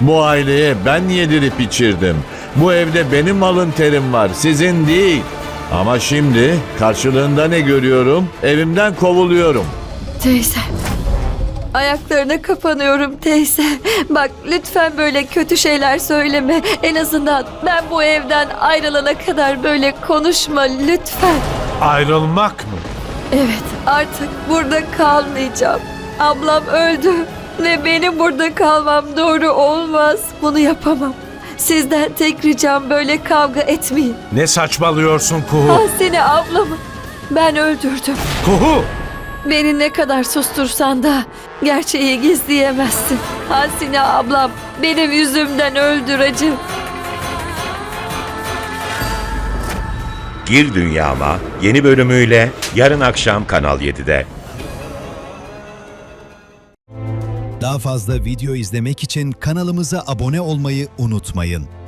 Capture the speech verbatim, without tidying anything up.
Bu aileye ben yedirip içirdim. Bu evde benim alın terim var, sizin değil. Ama şimdi karşılığında ne görüyorum? Evimden kovuluyorum. Teyze. Ayaklarına kapanıyorum teyze. Bak lütfen böyle kötü şeyler söyleme. En azından ben bu evden ayrılana kadar böyle konuşma lütfen. Ayrılmak mı? Evet, artık burada kalmayacağım. Ablam öldü ve benim burada kalmam doğru olmaz. Bunu yapamam. Sizden tek ricam böyle kavga etmeyin. Ne saçmalıyorsun Kuhu? Hasine ablamı ben öldürdüm. Kuhu! Beni ne kadar sustursan da gerçeği gizleyemezsin. Hasine ablam benim yüzümden öldü acı. Gir Dünyama yeni bölümüyle yarın akşam Kanal yedide. Daha fazla video izlemek için kanalımıza abone olmayı unutmayın.